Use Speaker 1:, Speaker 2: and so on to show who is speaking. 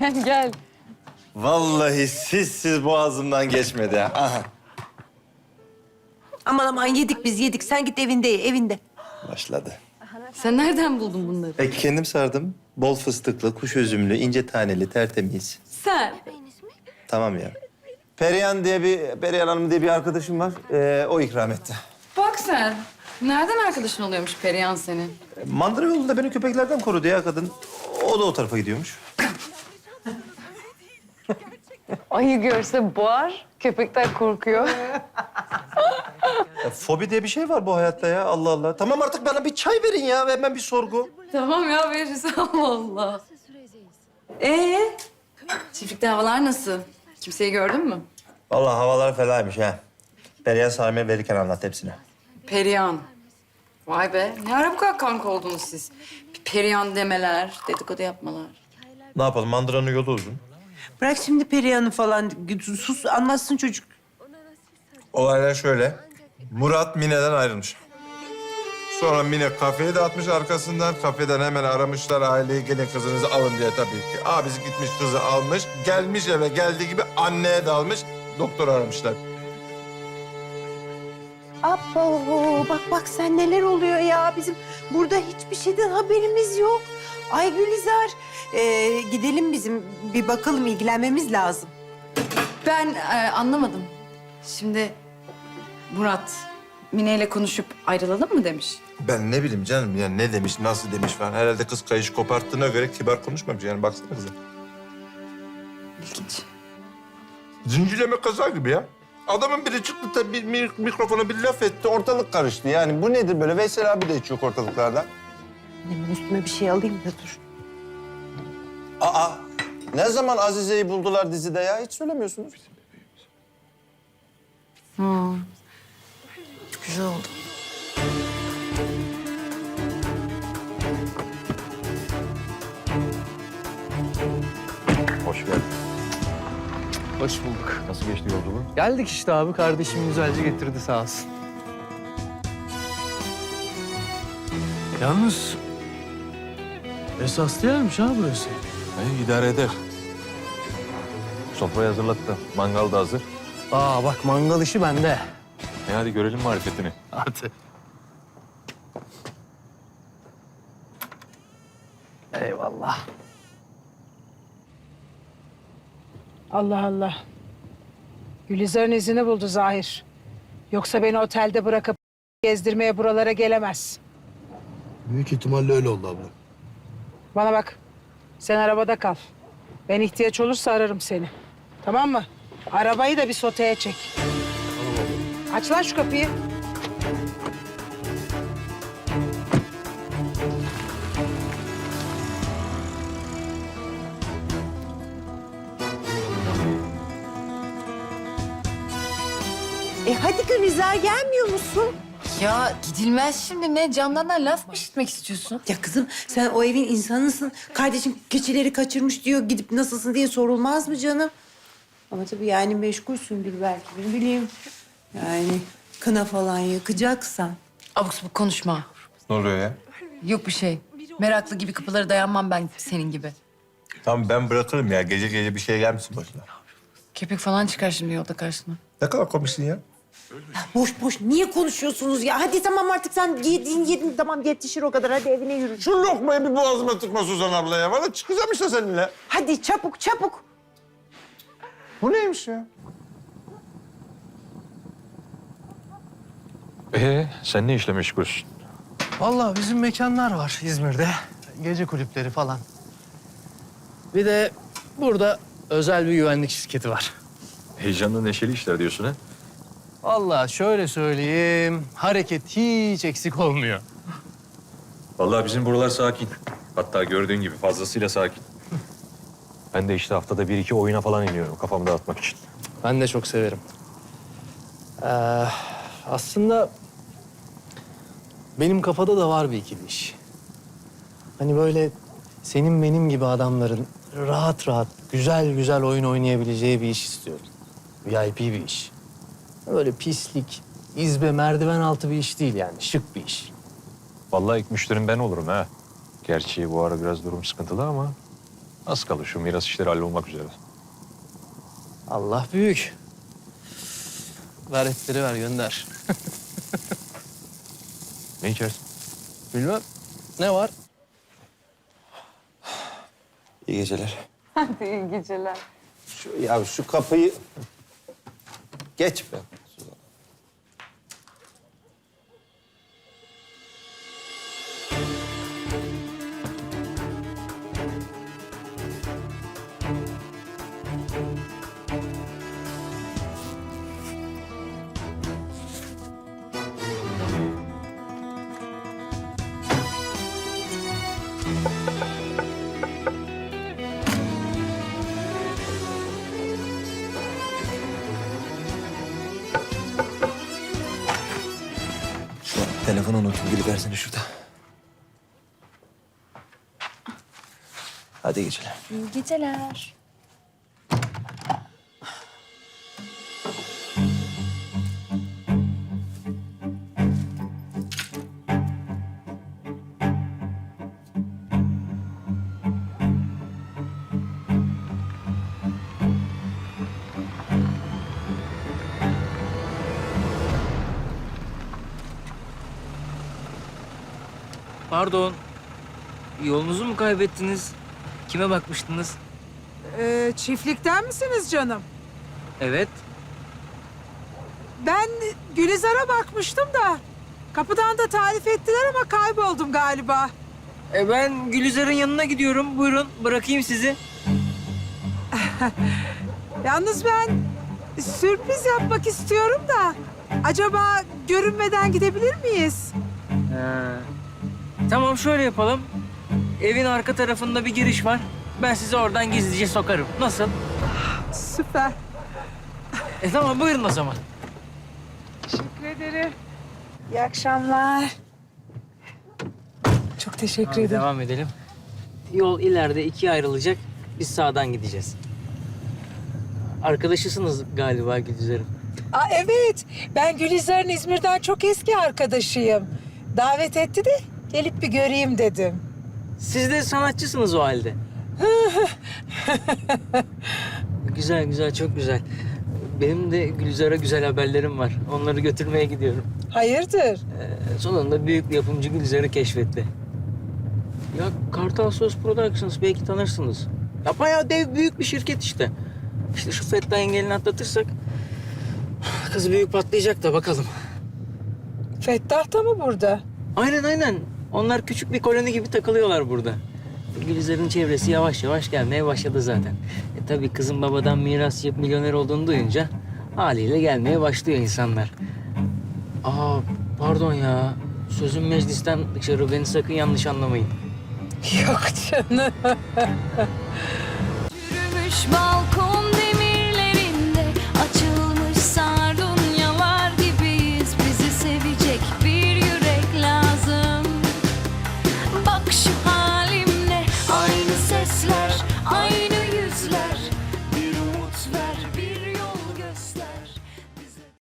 Speaker 1: Gel.
Speaker 2: Vallahi sizsiz boğazımdan geçmedi ha. Aha.
Speaker 3: Aman aman yedik biz yedik. Sen git evinde ye, evinde.
Speaker 2: Başladı.
Speaker 1: Sen nereden buldun bunları?
Speaker 2: Kendim sardım. Bol fıstıklı, kuş üzümlü, ince taneli, tertemiz.
Speaker 1: Sen.
Speaker 2: Tamam ya. Perihan Hanım diye bir arkadaşım var. O ikram etti.
Speaker 1: Bak sen. Nereden arkadaşın oluyormuş Perihan senin?
Speaker 2: Mandıra yolunda beni köpeklerden korudu ya kadın. O da o tarafa gidiyormuş.
Speaker 1: Ayı görse boğar, köpekten korkuyor.
Speaker 2: Fobi diye bir şey var bu hayatta ya. Allah Allah. Tamam artık bana bir çay verin ya. Hemen bir sorgu.
Speaker 1: Tamam ya veririz Allah Allah. Çiftlikte havalar nasıl? Kimseyi gördün mü?
Speaker 2: Vallahi havalar felaymış ha. Perihan Sami'ye verirken anlat hepsini.
Speaker 1: Perihan. Vay be. Ne ara bu kadar kanka oldunuz siz? Bir Perihan demeler, dedikodu yapmalar.
Speaker 2: Ne yapalım? Mandıranın yolu uzun.
Speaker 3: Bırak şimdi Perihan'ı falan. Sus anlatsın çocuk.
Speaker 4: Olaylar şöyle. Murat Mine'den ayrılmış. Sonra Mine kafeyi dağıtmış arkasından. Kafeden hemen aramışlar aileyi. Gelin kızınızı alın diye tabii ki. Abisi gitmiş kızı almış. Gelmiş eve geldiği gibi anneye dalmış. Doktor aramışlar.
Speaker 3: Abo bak sen neler oluyor ya. Bizim burada hiçbir şeyden haberimiz yok. Ay Gülizar. Gidelim bizim bir bakalım ilgilenmemiz lazım.
Speaker 1: Ben anlamadım. Şimdi Murat Mine ile konuşup ayrılalım mı demiş?
Speaker 4: Ben ne bileyim canım ya ne demiş, nasıl demiş falan. Herhalde kız kayış koparttığına göre kibar konuşmamış. Yani baksana kıza.
Speaker 1: İlginç.
Speaker 4: Zincirleme kaza gibi ya. Adamın biri çıktı tabii mikrofona bir laf etti. Ortalık karıştı. Yani bu nedir böyle? Veysel abi de hiç yok ortalıklarda.
Speaker 3: Hemen üstüme bir şey alayım da dur.
Speaker 2: Aa! Ne zaman Azize'yi buldular dizide ya? Hiç söylemiyorsunuz.
Speaker 1: Güzel oldu.
Speaker 5: Hoş geldin.
Speaker 6: Hoş bulduk.
Speaker 5: Nasıl geçti yolculuğun?
Speaker 6: Geldik işte abi. Kardeşim güzelce getirdi sağ olsun. Yalnız esaslı yermiş ha burası.
Speaker 5: İdare eder. Sofrayı hazırlattı. Mangal da hazır.
Speaker 6: Aa bak mangal işi bende.
Speaker 5: Hadi görelim marifetini.
Speaker 6: Hadi. Eyvallah.
Speaker 7: Allah Allah. Gülizar'ın izini buldu Zahir. Yoksa beni otelde bırakıp gezdirmeye buralara gelemez.
Speaker 8: Büyük ihtimalle öyle oldu abla.
Speaker 7: Bana bak. Sen arabada kal. Ben ihtiyaç olursa ararım seni. Tamam mı? Arabayı da bir soteye çek. Tamam abla. Aç lan şu kapıyı.
Speaker 3: Hadi Gülizar gelmiyor musun?
Speaker 1: Ya gidilmez şimdi. Ne canlardan laf mı işitmek istiyorsun?
Speaker 3: Ya kızım sen o evin insanısın. Kardeşim keçileri kaçırmış diyor. Gidip nasılsın diye sorulmaz mı canım? Ama tabii yani meşgulsündür belki. Ne bileyim. Yani kına falan yakacaksan.
Speaker 1: Abuk sabuk konuşma.
Speaker 4: Ne oluyor ya?
Speaker 1: Yok bir şey. Meraklı gibi kapılara dayanmam ben senin gibi.
Speaker 4: Tamam ben bırakırım ya. Gece gece bir şey gelmesin başına.
Speaker 1: Köpek falan çıkar şimdi yolda karşına.
Speaker 4: Ne kadar komiksin ya.
Speaker 3: Boş boş niye konuşuyorsunuz ya? Hadi tamam artık sen yedin tamam yetişir o kadar. Hadi evine yürü.
Speaker 4: Şu lokmayı bir boğazıma tıkma Suzan abla ya. Valla çıkacağım işte seninle.
Speaker 3: Hadi çabuk çabuk.
Speaker 4: Bu neymiş ya?
Speaker 5: Sen ne işle meşgulsün?
Speaker 6: Vallahi bizim mekanlar var İzmir'de. Gece kulüpleri falan. Bir de burada özel bir güvenlik şirketi var.
Speaker 5: Heyecanlı neşeli işler diyorsun ha?
Speaker 6: Vallahi şöyle söyleyeyim, hareket hiç eksik olmuyor.
Speaker 5: Vallahi bizim buralar sakin. Hatta gördüğün gibi fazlasıyla sakin. Ben de işte haftada bir iki oyuna falan iniyorum kafamı dağıtmak için.
Speaker 6: Ben de çok severim. Aslında benim kafada da var bir ikili iş. Hani böyle senin benim gibi adamların rahat rahat, güzel güzel oyun oynayabileceği bir iş istiyorum. VIP bir iş. Böyle pislik, izbe, merdiven altı bir iş değil yani. Şık bir iş.
Speaker 5: Vallahi ilk müşterim ben olurum ha. Gerçi bu ara biraz durum sıkıntılı ama Az kalır şu miras işleri hallolmak üzere.
Speaker 6: Allah büyük. Ver etleri ver gönder.
Speaker 5: Ne içersin?
Speaker 6: Bilmem. Ne var?
Speaker 2: İyi geceler.
Speaker 1: Hadi iyi geceler.
Speaker 2: Şu kapıyı geç be. Telefonu unuttum. Versene şurada. Hadi iyi geceler.
Speaker 9: İyi geceler.
Speaker 10: Pardon. Yolunuzu mu kaybettiniz? Kime bakmıştınız?
Speaker 7: Çiftlikten misiniz canım?
Speaker 10: Evet.
Speaker 7: Ben Gülizar'a bakmıştım da. Kapıdan da tarif ettiler ama kayboldum galiba.
Speaker 10: Ben Gülizar'ın yanına gidiyorum. Buyurun bırakayım sizi.
Speaker 7: Yalnız ben sürpriz yapmak istiyorum da. Acaba görünmeden gidebilir miyiz?
Speaker 10: Tamam şöyle yapalım. Evin arka tarafında bir giriş var. Ben sizi oradan gizlice sokarım. Nasıl?
Speaker 7: Süper.
Speaker 10: Tamam buyurun o zaman.
Speaker 7: Teşekkür ederim. İyi akşamlar. Çok teşekkür ederim.
Speaker 10: Devam edelim. Yol ileride ikiye ayrılacak. Biz sağdan gideceğiz. Arkadaşısınız galiba Gülizar'ın.
Speaker 7: Evet, ben Gülizar'ın İzmir'den çok eski arkadaşıyım. Davet etti de gelip bir göreyim dedim.
Speaker 10: Siz de sanatçısınız o halde. Güzel güzel, çok güzel. Benim de Gülizar'a güzel haberlerim var. Onları götürmeye gidiyorum.
Speaker 7: Hayırdır?
Speaker 10: Sonunda büyük bir yapımcı Gülizar'ı keşfetti. Ya Kartal Söz Productions belki tanırsınız. Ya bayağı dev büyük bir şirket işte. İşte şu Fettah engelini atlatırsak kız büyük patlayacak da bakalım.
Speaker 7: Fettah da mı burada?
Speaker 10: Aynen aynen. Onlar küçük bir koloni gibi takılıyorlar burada. Gülizar'ın çevresi yavaş yavaş gelmeye başladı zaten. Tabii kızın babadan miras yapıp milyoner olduğunu duyunca haliyle gelmeye başlıyor insanlar. Pardon ya. Sözüm meclisten dışarı, beni sakın yanlış anlamayın.
Speaker 7: Yok canım.
Speaker 9: Yürümüş balkon